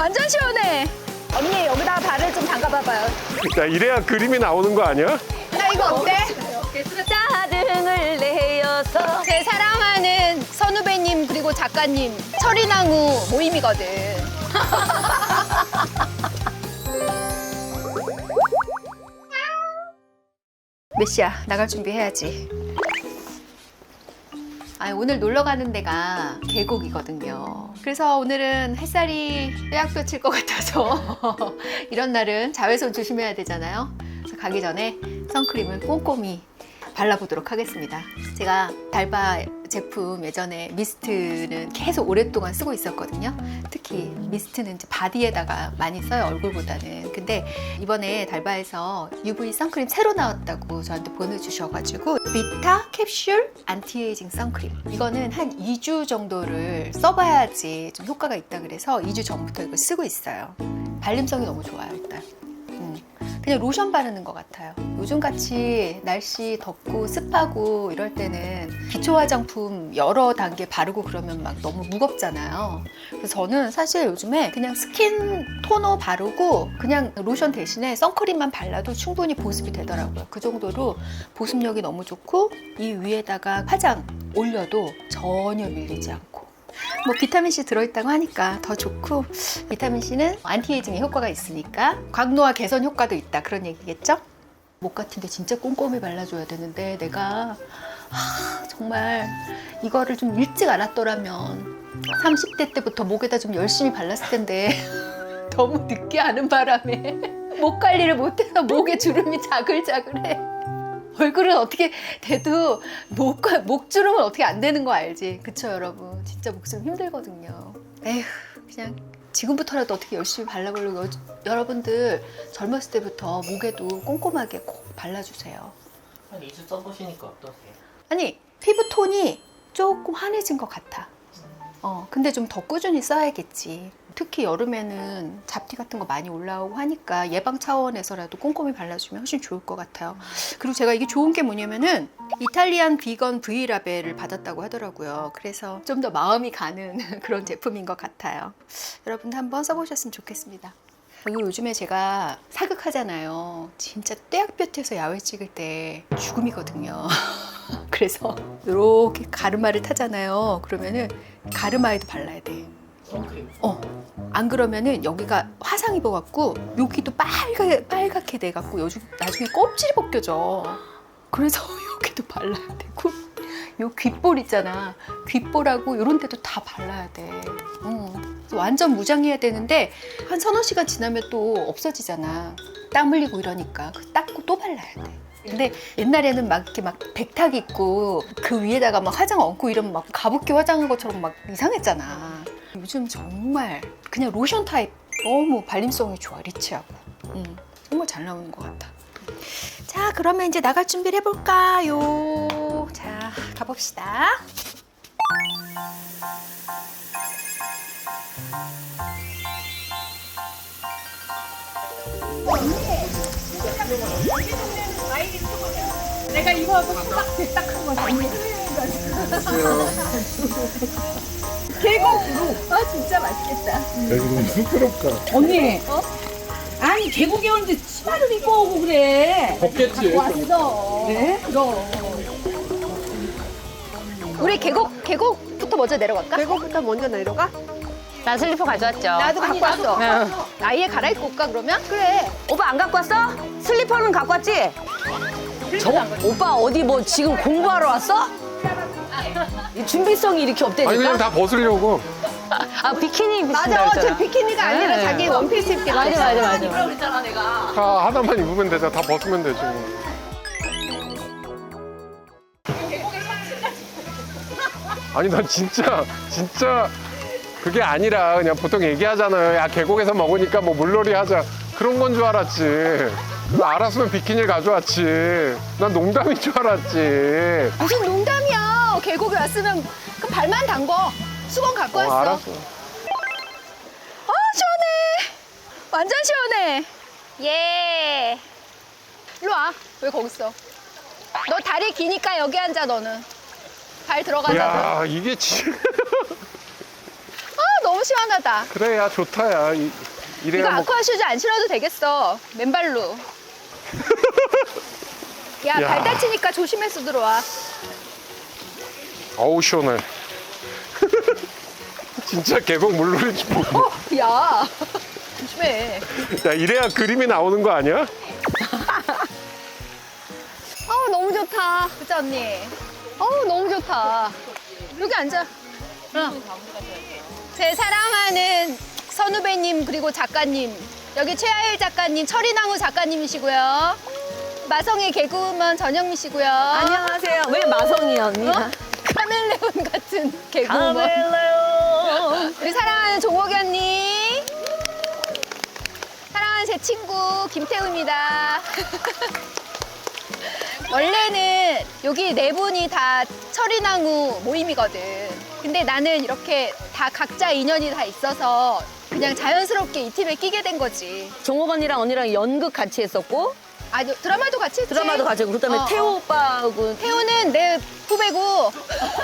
완전 시원해. 언니 여기다가 발을 좀 담가봐봐요. 야, 이래야 그림이 나오는 거 아니야? 나 이거 어때? 짜증을 내어서 제 사랑하는 선후배님 그리고 작가님 철인왕후 모임이거든. 메시야 나갈 준비해야지. 오늘 놀러 가는 데가 계곡이거든요. 그래서 오늘은 햇살이 뼈약뼈 칠 것 같아서 이런 날은 자외선 조심해야 되잖아요. 그래서 가기 전에 선크림을 꼼꼼히 발라보도록 하겠습니다. 제가 달바 제품 예전에 미스트는 계속 오랫동안 쓰고 있었거든요. 특히 미스트는 이제 바디에다가 많이 써요, 얼굴보다는. 근데 이번에 달바에서 UV 선크림 새로 나왔다고 저한테 보내주셔가지고 비타 캡슐 안티에이징 선크림, 이거는 한 2주 정도를 써봐야지 좀 효과가 있다 그래서 2주 전부터 이거 쓰고 있어요. 발림성이 너무 좋아요. 일단 그냥 로션 바르는 것 같아요. 요즘같이 날씨 덥고 습하고 이럴 때는 기초 화장품 여러 단계 바르고 그러면 막 너무 무겁잖아요. 그래서 저는 사실 요즘에 그냥 스킨 토너 바르고 그냥 로션 대신에 선크림만 발라도 충분히 보습이 되더라고요. 그 정도로 보습력이 너무 좋고 이 위에다가 화장 올려도 전혀 밀리지 않고, 뭐 비타민C 들어있다고 하니까 더 좋고, 비타민C는 안티에이징에 효과가 있으니까 광노화 개선 효과도 있다, 그런 얘기겠죠? 목 같은데 진짜 꼼꼼히 발라줘야 되는데 내가 정말 이거를 좀 일찍 알았더라면 30대 때부터 목에다 좀 열심히 발랐을 텐데 너무 늦게 아는 바람에 목 관리를 못해서 목에 주름이 자글자글해. 얼굴은 어떻게 돼도 목주름은 어떻게 안 되는 거 알지? 그쵸 여러분? 진짜 목주름 힘들거든요. 에휴, 그냥 지금부터라도 어떻게 열심히 발라보려고. 여러분들 젊었을 때부터 목에도 꼼꼼하게 꼭 발라주세요. 한 2주 써보시니까 어떠세요? 아니, 피부톤이 조금 환해진 것 같아. 근데 좀 더 꾸준히 써야겠지. 특히 여름에는 잡티 같은 거 많이 올라오고 하니까 예방 차원에서라도 꼼꼼히 발라주면 훨씬 좋을 것 같아요. 그리고 제가 이게 좋은 게 뭐냐면은 이탈리안 비건 V라벨을 받았다고 하더라고요. 그래서 좀 더 마음이 가는 그런 제품인 것 같아요. 여러분도 한번 써보셨으면 좋겠습니다. 그리고 요즘에 제가 사극하잖아요. 진짜 떼약볕에서 야외 찍을 때 죽음이거든요. 그래서 이렇게 가르마를 타잖아요. 그러면은 가르마에도 발라야 돼. 선크림. 안 그러면은 여기가 화상 입어갖고 여기도 빨갛게 돼갖고 나중에 껍질이 벗겨져. 그래서 여기도 발라야 되고, 요 귓볼 있잖아. 귓볼하고 이런 데도 다 발라야 돼. 완전 무장해야 되는데 한 서너 시간 지나면 또 없어지잖아. 땀 흘리고 이러니까 닦고 또 발라야 돼. 근데 옛날에는 막 이렇게 막 백탁 입고 그 위에다가 막 화장 얹고 이러면 막 가부키 화장한 것처럼 막 이상했잖아. 요즘 정말 그냥 로션 타입 너무 발림성이 좋아, 리치하고. 정말 잘 나오는 것 같아. 자, 그러면 이제 나갈 준비를 해볼까요? 자, 가봅시다. 내가 이거 하고 딱 한 거 언니. 계곡으로. 진짜 맛있겠다. 야, 이거 너무 부끄럽다. 언니. 아니 계곡에 오는데 치마를 입고 오고 그래. 덥겠지. 왔어. 네? 그럼. 우리 계곡부터 먼저 내려갈까? 계곡부터 먼저 내려가? 나 슬리퍼 가져왔죠. 나도 갖고 왔어. 응. 아예 갈아입고 올까 그러면? 그래. 오빠 안 갖고 왔어? 슬리퍼는 갖고 왔지? 오빠 어디 뭐 지금 공부하러 왔어? 이 준비성이 이렇게 아니, 그냥 없다니까? 다 벗으려고. 아 비키니 입으신다 맞아, 저 그랬잖아. 비키니가 아니라 네. 자기 원피스 입게. 맞아. 다 하나만 입으면 되잖아. 다 벗으면 되지 뭐. 아니, 난 진짜 그게 아니라 그냥 보통 얘기하잖아요. 야, 계곡에서 먹으니까 뭐 물놀이 하자. 그런 건 줄 알았지. 그거 알았으면 비키니를 가져왔지. 난 농담인 줄 알았지. 무슨 농담이야. 계곡에 왔으면 그 발만 담궈. 수건 갖고 왔어. 알았어. 시원해. 완전 시원해. 예. 일로 와. 왜 거기 있어? 너 다리 기니까 여기 앉아, 너는. 발 들어가자. 야, 이게 진짜. 너무 시원하다. 그래, 야, 좋다, 야. 이거 이래야 뭐. 아쿠아 슈즈 안 신어도 되겠어. 맨발로. 야, 야. 발 다치니까 조심해서 들어와. 어우, 시원해. 진짜 계곡 물놀이 보고. 어, 야. 조심해. 야, 이래야 그림이 나오는 거 아니야? 너무 좋다. 그치, 언니? 너무 좋다. 여기 앉아. 제 사랑하는 선후배님, 그리고 작가님. 여기 최하일 작가님, 철인왕후 작가님이시고요. 마성의 개그우먼 전영미시고요. 안녕하세요. 왜 마성이야, 언니? 카멜레온 같은 개그우먼. 카멜레온. 우리 사랑하는 종옥이 언니. 사랑하는 제 친구 김태우입니다. 원래는 여기 네 분이 다 철인왕후 모임이거든. 근데 나는 이렇게 다 각자 인연이 다 있어서 그냥 자연스럽게 이 팀에 끼게 된 거지. 종옥 언니랑 언니랑 연극 같이 했었고 아, 드라마도 같이 했지? 드라마도 같이 했고 그다음에 태호 오빠하고 태우는 내 후배고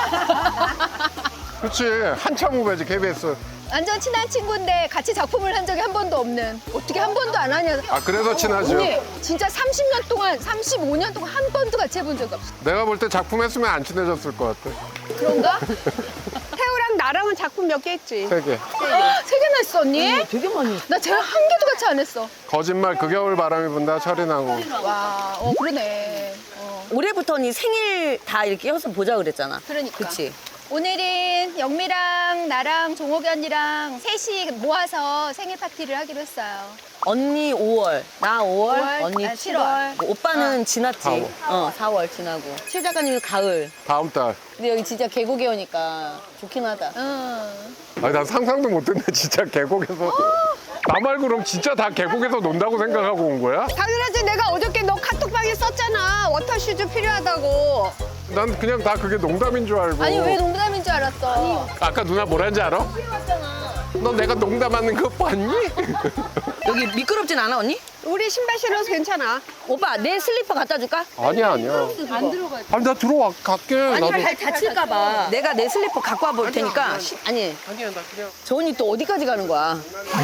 그렇지. 한참 후배지, KBS. 완전 친한 친구인데 같이 작품을 한 적이 한 번도 없는. 어떻게 한 번도 안 하냐. 아, 그래서 친하죠. 언니 진짜 30년 동안 35년 동안 한 번도 같이 해본 적이 없어. 내가 볼 때 작품 했으면 안 친해졌을 것 같아. 그런가? 태우랑 나랑은 작품 몇 개 했지. 3개. 세 개나 했어 언니? 되게 많이 했어. 나 쟤랑 한 개도 같이 안 했어. 거짓말, 그 겨울 바람이 분다, 철이나고. 와, 그러네. 올해부터 언니 생일 다 이렇게 해서 보자 그랬잖아. 그러니까. 그치? 오늘은 영미랑 나랑 종옥이 언니랑 셋이 모아서 생일 파티를 하기로 했어요. 언니 5월, 나 5월, 5월, 언니 나 7월. 7월. 오빠는 지났지. 4월. 4월 지나고. 최 작가님은 가을. 다음 달. 근데 여기 진짜 계곡에 오니까 좋긴 하다. 응. 아니, 난 상상도 못했네, 진짜 계곡에서. 나 말고 그럼 진짜 다 계곡에서 논다고 생각하고 온 거야? 당연하지. 내가 어저께 너 카톡방에 썼잖아. 워터슈즈 필요하다고. 난 그냥 다 그게 농담인 줄 알고. 아니 왜 농담인 줄 알았어? 아까 누나 뭐라는지 알아? 너 내가 농담하는 거 봤니? 여기 미끄럽진 않아, 언니? 우리 신발 신어서 괜찮아. 오빠, 내 슬리퍼 갖다 줄까? 아니야, 아니야. 안 들어가. 아니, 나 들어와, 갈게. 나도. 다칠까봐. 내가 내 슬리퍼 갖고 와볼 테니까. 아니, 아니야, 나 그냥. 저 언니 또 어디까지 가는 거야?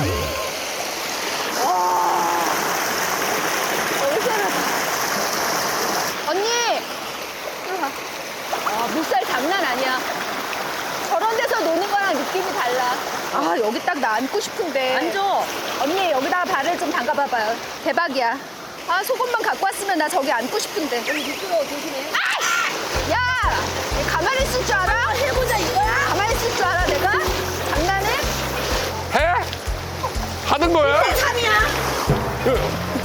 언니! 들어가. 물살 장난 아니야. 저런 데서 노는 거랑 느낌이 달라. 아, 여기 딱 나 앉고 싶은데. 앉아. 언니, 여기다가 발을 좀 담가봐봐요. 대박이야. 아, 속옷만 갖고 왔으면 나 저기 앉고 싶은데. 여기 미끄러워, 조심해. 아! 야! 얘 가만히 있을 줄 알아? 해보자, 이거야? 가만히 있을 줄 알아, 내가? 장난해? 해? 하는 거야? 3이야.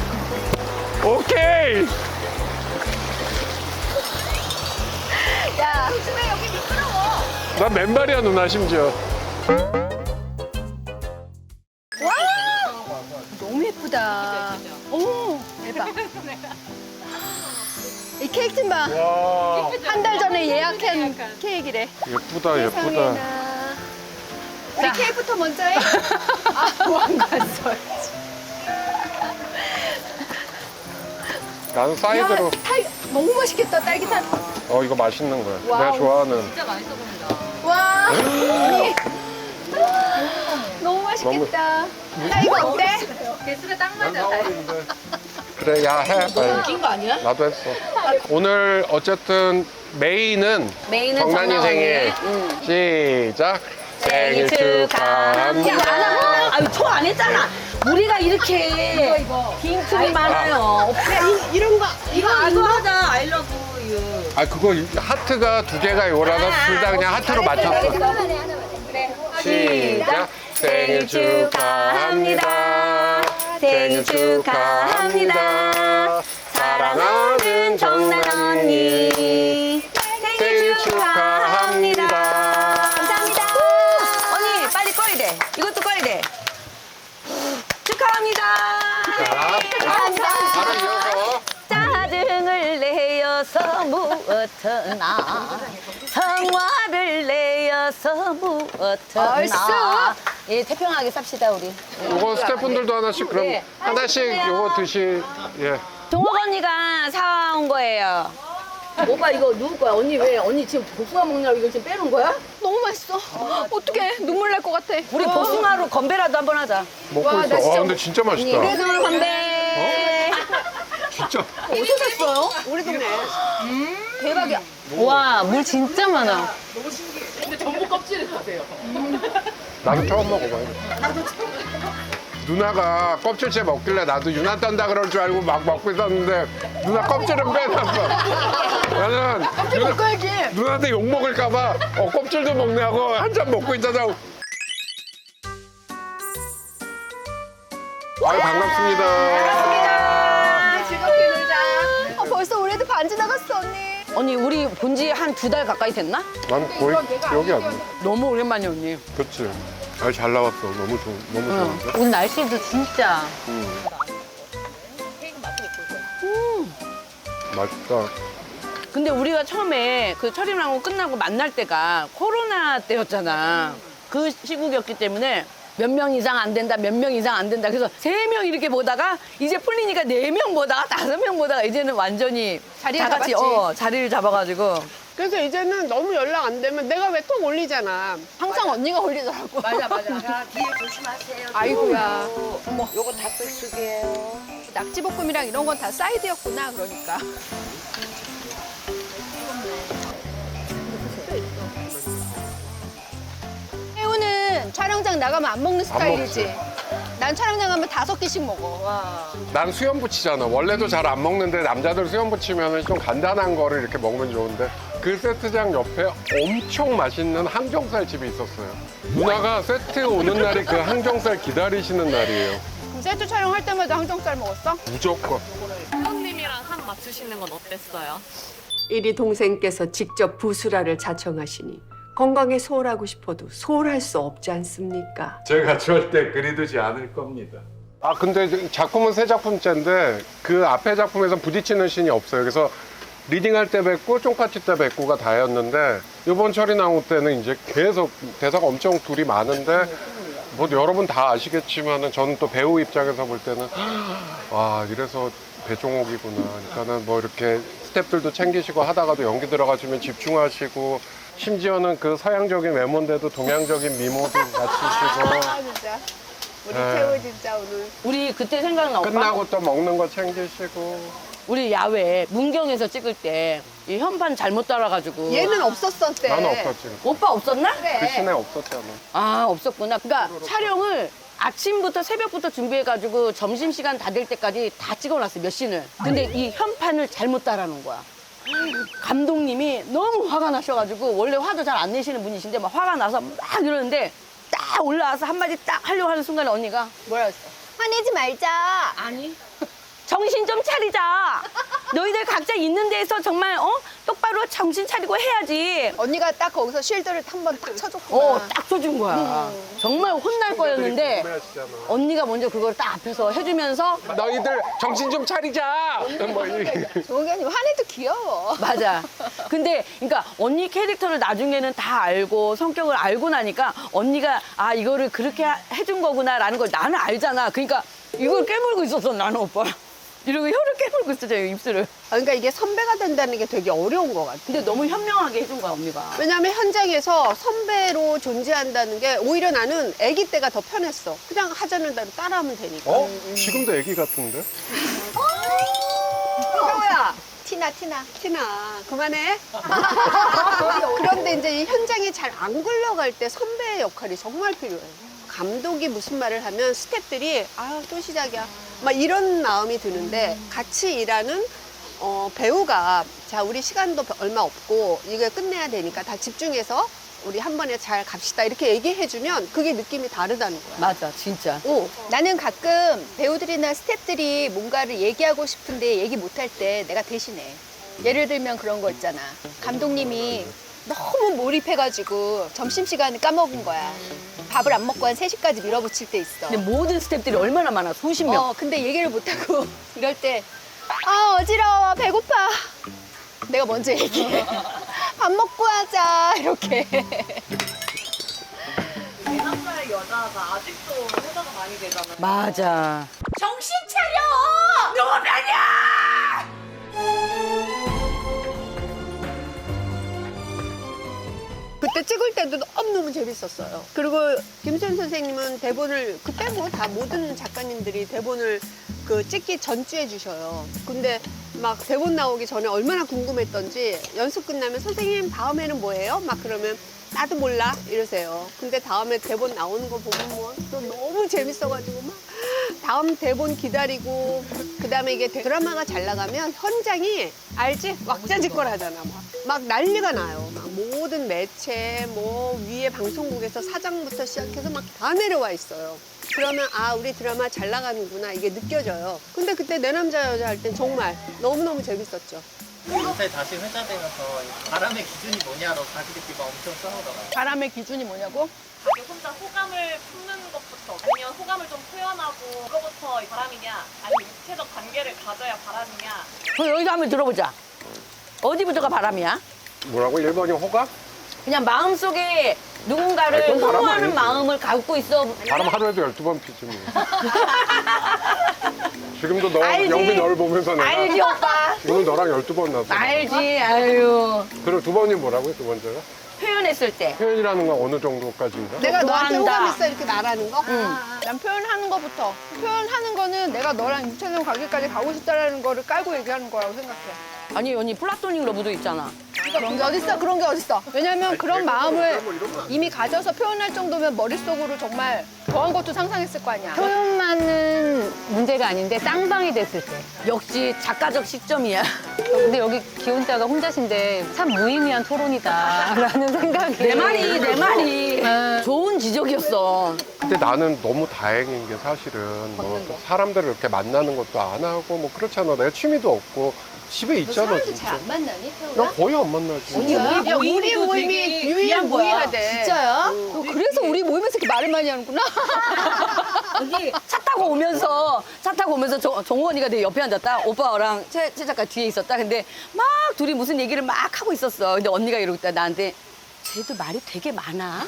오케이. 야, 조심해, 여기 미끄러워. 나 맨발이야, 누나, 심지어. 와! 너무 예쁘다. 오, 대박. 이 케이크 좀 봐. 와, 한 달 전에 예약한 케이크래. 예쁘다, 예쁘다. 세상에나. 우리 케이크부터 먼저 해. 왕 갔어야지. 나는 사이드로. 너무 맛있겠다, 딸기탕. 이거 맛있는 거야. 와우. 내가 좋아하는. 와, 언니. 너무 맛있겠다. 딸기 어때? 그래, 야, 해. 빨리. 거 아니야? 나도 했어. 오늘 어쨌든 메인은 메인은 정란이 정란 생일. 언니. 시작. 생일 축하합니다. 안 하고? 아유, 초 안 했잖아. 우리가 이렇게 빈틈이 많아요. 이런 거, 이거 안 이거 봐? 하자. I love you. 아, 그거 하트가 2개가 요라서 둘 다 그냥 하트로 맞췄어. 시작. 생일 축하합니다. 생일 축하합니다. 사랑하는 정란 언니. 생일 축하합니다. 감사합니다. 언니, 빨리 꺼야 돼. 이것도 꺼야 돼. 축하합니다. 바로 이어서. 짜증을 내어서 무엇하나 성화를 내어서 무엇하나 얼쑤. 예, 태평하게 삽시다 우리. 요거 스태프분들도 하나씩 그럼 하나씩 요거 드시. 예. 종옥 언니가 사온 거예요. 오빠 이거 누구 거야? 언니 왜? 언니 지금 복숭아 먹느라고 이거 지금 빼놓은 거야? 너무 맛있어. 어떡해. 눈물 날 것 같아. 우리 복숭아로 건배라도 한번 하자. 먹고 와, 있어. 나 진짜- 근데 진짜 맛있다. 그래도 건배. 진짜. 어디서 샀어요? 우리 동네. 대박이야. 와, 물 진짜 많아. 나도 처음 먹어봐요. 누나가 껍질째 먹길래 나도 유나 딴다 그럴 줄 알고 막 먹고 있었는데 누나 껍질은 빼놨어. 나는 껍질 먹어야지. 누나한테 욕 먹을까봐 껍질도 먹네 하고 한참 먹고 있다가 아유 반갑습니다. 즐겁게 놀자. 벌써 올해도 반지 나갔어, 언니. 언니 우리 본 지 한 2달 가까이 됐나? 난 거의 기억이 안 나. 너무 오랜만이야 언니. 그치? 아, 잘 나왔어. 너무 좋은데? 오늘 날씨도 진짜. 맛있다. 근데 우리가 처음에 그 철임랑고 끝나고 만날 때가 코로나 때였잖아. 그 시국이었기 때문에 몇 명 이상 안 된다, 몇 명 이상 안 된다. 그래서 3명 이렇게 보다가 이제 풀리니까 4명 보다가 5명 보다가 이제는 완전히 자리를 다 같이 잡았지. 자리를 잡아가지고. 그래서 이제는 너무 연락 안 되면 내가 왜 톡 올리잖아. 항상 언니가 올리더라고. 맞아. 자, 뒤에 조심하세요. 아이고야. 요거 닭백 쓰게요. 낙지볶음이랑 이런 건 다 사이드였구나, 그러니까. 혜우는 촬영장 나가면 안 먹는 스타일이지. 난 촬영장 가면 5개씩 먹어. 난 수염 붙이잖아. 원래도 잘 안 먹는데 남자들 수염 붙이면 좀 간단한 거를 이렇게 먹으면 좋은데 그 세트장 옆에 엄청 맛있는 항정살 집이 있었어요. 누나가 세트 오는 날이 그 항정살 기다리시는 날이에요. 그럼 세트 촬영할 때마다 항정살 먹었어? 무조건. 선생님이랑 상 맞추시는 건 어땠어요? 이리 동생께서 직접 부수라를 자청하시니 건강에 소홀하고 싶어도 소홀할 수 없지 않습니까? 제가 절대 그리두지 않을 겁니다. 아 근데 작품은 3작품째인데 그 앞에 작품에서 부딪히는 씬이 없어요. 그래서 리딩할 때 뵙고 쫑파티 때 뵙고가 다였는데 이번 철이나무 때는 이제 계속 대사가 엄청 둘이 많은데 뭐 여러분 다 아시겠지만은 저는 또 배우 입장에서 볼 때는 와 이래서 배종옥이구나. 그러니까는 뭐 이렇게 스태프들도 챙기시고 하다가도 연기 들어가시면 집중하시고 심지어는 그 서양적인 외모인데도 동양적인 미모도 갖추시고 아 진짜. 우리 네. 태우 진짜 오늘. 우리 그때 생각나 오빠? 끝나고 또 먹는 거 챙기시고 우리 야외 문경에서 찍을 때 이 현판 잘못 따라가지고 얘는 없었었대. 나는 없었지. 오빠 없었나? 그 시내 없었잖아. 아 없었구나. 그러니까 촬영을 아침부터 새벽부터 준비해가지고 점심시간 다 될 때까지 다 찍어놨어 몇 씬을. 근데 이 현판을 잘못 따라놓은 거야. 감독님이 너무 화가 나셔가지고 원래 화도 잘 안 내시는 분이신데 막 화가 나서 막 이러는데 딱 올라와서 한마디 딱 하려고 하는 순간에 언니가 뭐라 했어? 화내지 말자. 아니 정신 좀 차리자. 너희들 각자 있는 데에서 정말 똑바로 정신 차리고 해야지. 언니가 딱 거기서 쉴드를 한 번 딱 쳐줬구나. 딱 써준 거야. 정말 혼날 거였는데 궁금해하시잖아. 언니가 먼저 그걸 딱 앞에서 해주면서 너희들 정신 좀 차리자. 뭐 좋은 게 아니고 화내도 귀여워. 맞아. 근데 그러니까 언니 캐릭터를 나중에는 다 알고 성격을 알고 나니까 언니가 아 이거를 그렇게 해준 거구나라는 걸 나는 알잖아. 그러니까 이걸 깨물고 있었어 나는 오빠. 이러고 혀를 깨물고 있었죠 입술을. 그러니까 이게 선배가 된다는 게 되게 어려운 것 같아. 근데 너무 현명하게 해준 거야 언니가. 왜냐면 현장에서 선배로 존재한다는 게 오히려 나는 아기 때가 더 편했어. 그냥 하자는 대로 따라하면 되니까. 어? 지금도 애기 같은데? 태우야. 티나. 티나 그만해. 그런데 이제 이 현장이 잘 안 굴러갈 때 선배의 역할이 정말 필요해. 감독이 무슨 말을 하면 스태프들이 아 또 시작이야 막 이런 마음이 드는데 같이 일하는 배우가 자 우리 시간도 얼마 없고 이거 끝내야 되니까 다 집중해서 우리 한 번에 잘 갑시다 이렇게 얘기해주면 그게 느낌이 다르다는 거야. 맞아 진짜. 나는 가끔 배우들이나 스태프들이 뭔가를 얘기하고 싶은데 얘기 못할 때 내가 대신해. 예를 들면 그런 거 있잖아. 감독님이 너무 몰입해가지고 점심시간을 까먹은 거야. 밥을 안 먹고 한 3시까지 밀어붙일 때 있어. 근데 모든 스태프들이 얼마나 많아 수십 명. 근데 얘기를 못하고 이럴 때 아 어지러워 배고파. 내가 먼저 얘기해. 밥 먹고 하자 이렇게. 대남자의 여자가 아직도 회자가 많이 되잖아요. 맞아. 정신 차려! 누구 편이야! 그때 찍을 때도 너무너무 재밌었어요. 그리고 김수현 선생님은 대본을 그 빼고 다 모든 작가님들이 대본을 그 찍기 전주해 주셔요. 근데 막 대본 나오기 전에 얼마나 궁금했던지 연습 끝나면 선생님 다음에는 뭐예요? 막 그러면 나도 몰라 이러세요. 근데 다음에 대본 나오는 거 보면 뭐 또 너무 재밌어가지고 막 다음 대본 기다리고 그다음에 이게 드라마가 잘 나가면 현장이 알지? 왁자지껄 하잖아. 막 난리가 나요. 막 모든 매체 뭐 위에 방송국에서 사장부터 시작해서 막 다 내려와 있어요. 그러면 아 우리 드라마 잘 나가는구나 이게 느껴져요. 근데 그때 내 남자 여자 할 땐 정말 너무너무 재밌었죠. 요새 다시 회자 되면서 바람의 기준이 뭐냐로 자기들끼리 막 엄청 싸우더라고요. 바람의 기준이 뭐냐고? 자기 혼자 호감을 품는 것부터 아니면 호감을 좀 표현하고 그거부터 바람이냐 아니면 육체적 관계를 가져야 바람이냐. 그럼 여기서 한번 들어보자. 어디부터가 바람이야? 뭐라고? 1번이 호감? 그냥 마음속에 누군가를 아니, 그건 바람 흠모하는 아니지. 마음을 갖고 있어. 바람 하루에도 12번 피지 뭐. 지금도 너 알지. 영빈 너를 보면서 내가 알지 오빠. 지금 너랑 12번 났어. 알지. 아유. 그리고 두 번이 뭐라고요? 두 번째가? 표현했을 때. 표현이라는 건 어느 정도까지인가? 내가 너한테 좋아한다. 호감 있어 이렇게 말하는 거? 난 표현하는 것부터. 표현하는 거는 내가 너랑 육체적 관계까지 가고 싶다라는 거를 깔고 얘기하는 거라고 생각해. 아니 언니 플라토닉 러브도 있잖아. 그런 게 어딨어? 그런 게 어딨어? 왜냐면 그런 마음을 이미 가져서 표현할 정도면 머릿속으로 정말 더한 것도 상상했을 거 아니야. 표현만은 문제가 아닌데 쌍방이 됐을 때. 역시 작가적 시점이야. 근데 여기 기혼자가 혼자신데 참 무의미한 토론이다라는 생각이. 내 말이. 좋은 지적이었어. 근데 나는 너무 다행인 게 사실은 뭐 사람들을 이렇게 만나는 것도 안 하고 뭐 그렇잖아. 내가 취미도 없고 집에 있잖아 진짜. 만나니, 나 거의 안 만나지. 야, 우리 모임이 유일무이하대. 진짜야? 그래서 우리 모임에서 이렇게 말을 많이 하는구나. 여기 차 타고 오면서 정우 언니가 내 옆에 앉았다. 오빠랑 최 작가 뒤에 있었다. 근데 막 둘이 무슨 얘기를 막 하고 있었어. 근데 언니가 이러고 있다 나한테 쟤도 말이 되게 많아.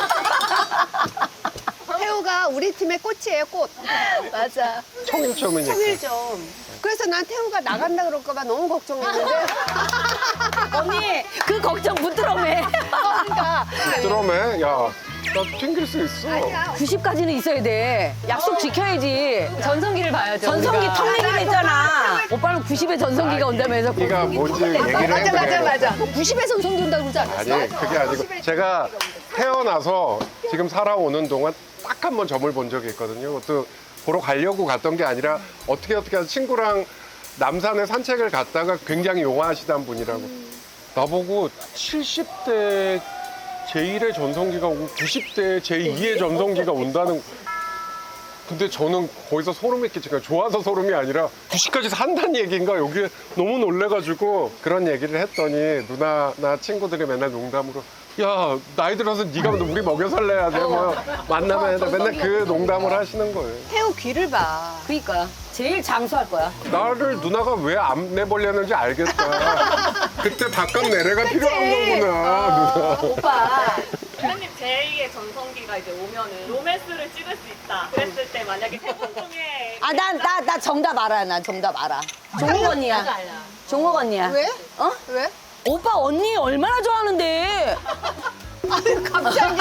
태우가 우리 팀의 꽃이에요, 꽃. 맞아. 청일점이니까. 청일점. 그래서 난 태우가 나간다 그럴까봐 너무 걱정했는데 언니 그 걱정 부끄러움해. 드럼에 야, 나 튕길 수 있어. 90까지는 있어야 돼. 약속 지켜야지. 전성기를 봐야죠. 전성기 우리가. 턱내기로 했잖아. 오빠는 90에 전성기가 온다면서. 네가 뭔지 얘기를 했는데. 맞아. 90에 전성기 온다고 그러지 않았어? 아니 그게 아니고 제가 태어나서 지금 살아오는 동안 딱 한 번 점을 본 적이 있거든요. 또 보러 가려고 갔던 게 아니라 어떻게 해서 친구랑 남산에 산책을 갔다가 굉장히 용화하시던 분이라고 나보고 70대 제1의 전성기가 오고 90대 제2의 전성기가 온다는. 근데 저는 거기서 소름이 끼치니까 좋아서 소름이 아니라 90까지 산다는 얘기인가 여기에 너무 놀래가지고 그런 얘기를 했더니 누나나 친구들이 맨날 농담으로 야 나이 들어서 네가 우리 먹여 살려야 돼 뭐 만나면 해야 돼 맨날 그 농담을 하시는 거예요. 태우 귀를 봐. 그러니까 제일 장수할 거야. 나를 누나가 왜 안 내보려는지 알겠다. 그때 바깥 내래가 필요한 거구나 누나. 오빠. 선생님 제2의 전성기가 이제 오면은 로맨스를 찍을 수 있다. 그랬을 때 만약에 태국 중에 아, 나 정답 알아. 나 정답 알아. 종옥 언니야. 종옥 언니야. 왜? 어? 왜? 오빠 언니 얼마나 좋아하는데. 갑자기?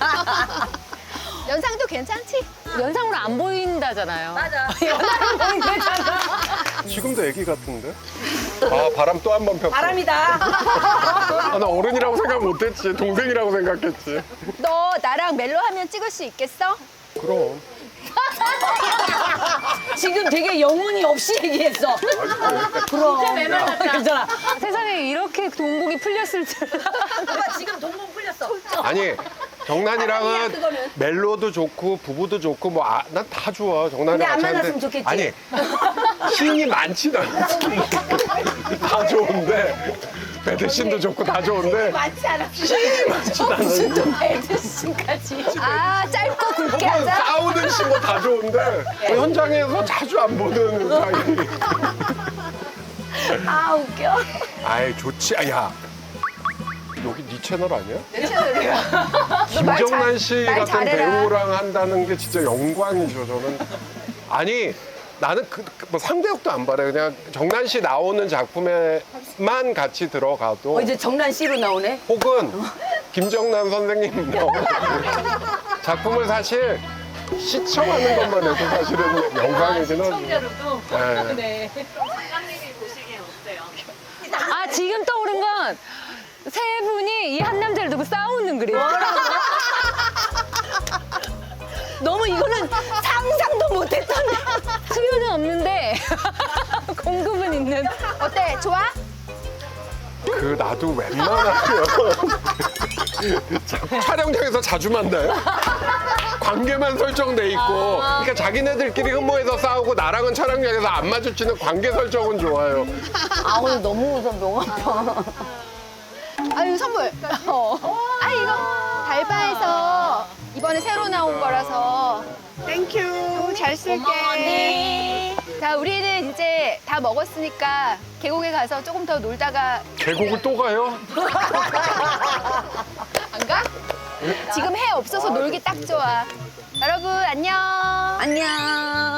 연상도 괜찮지? 연상으로 안 보인다잖아요. 맞아. 지금도 애기 같은데? 아 바람 또 한 번 폈어. 바람이다. 아, 나 어른이라고 생각 못했지. 동생이라고 생각했지. 너 나랑 멜로 하면 찍을 수 있겠어? 그럼. 지금 되게 영혼이 없이 얘기했어. 그럼. 괜찮아. 세상에 이렇게 동공이 풀렸을 줄. 오빠 지금 동공 풀렸어. 아니 정난이랑은 멜로도 좋고 부부도 좋고 뭐 난 다 좋아. 정난이랑 근데 안 같이 하는데. 만났으면 좋겠지. 아니 신이 많진 않아. 다 좋은데 배드신도 좋고 다 좋은데 많지 않았어. 신이 많진 않아. 배드신까지. 아, 짧고 굵게 혹은 하자. 싸우든 신뭐 다 좋은데 현장에서 자주 안 보는 사이. 아 웃겨. 아이 좋지. 아, 야 여기 네 채널 아니야? 내 채널이야. 김정난 씨 말 같은 잘해라. 배우랑 한다는 게 진짜 영광이죠, 저는. 아니, 나는 뭐 상대역도 안 바래. 그냥 정난 씨 나오는 작품에만 같이 들어가도. 이제 정난 씨로 나오네. 혹은 김정남 선생님 작품을 사실 시청하는 것만 해도 사실은 영광이긴 하죠. 네. 작가님이 보시기엔 어때요? 아, 지금 떠오른 건 세 분이 이 한 남자를 두고 싸우는 그림. 너무 이거는 상상도 못했던. 수요는 없는데 공급은 있는. 어때? 좋아? 그 나도 웬만하면 촬영장에서 자주 만나요. 관계만 설정돼 있고, 그러니까 자기네들끼리 흠모해서 싸우고 나랑은 촬영장에서 안 마주치는 관계 설정은 좋아요. 아 오늘 너무 웃어 명 아파. 아유, 선물. 아, 이거 달바에서 이번에 새로 나온 거라서. 땡큐. 잘 쓸게. 자, 우리는 이제 다 먹었으니까 계곡에 가서 조금 더 놀다가 계곡을 또 가요? 안 가? 지금 해 없어서 놀기 딱 좋아. 여러분, 안녕. 안녕.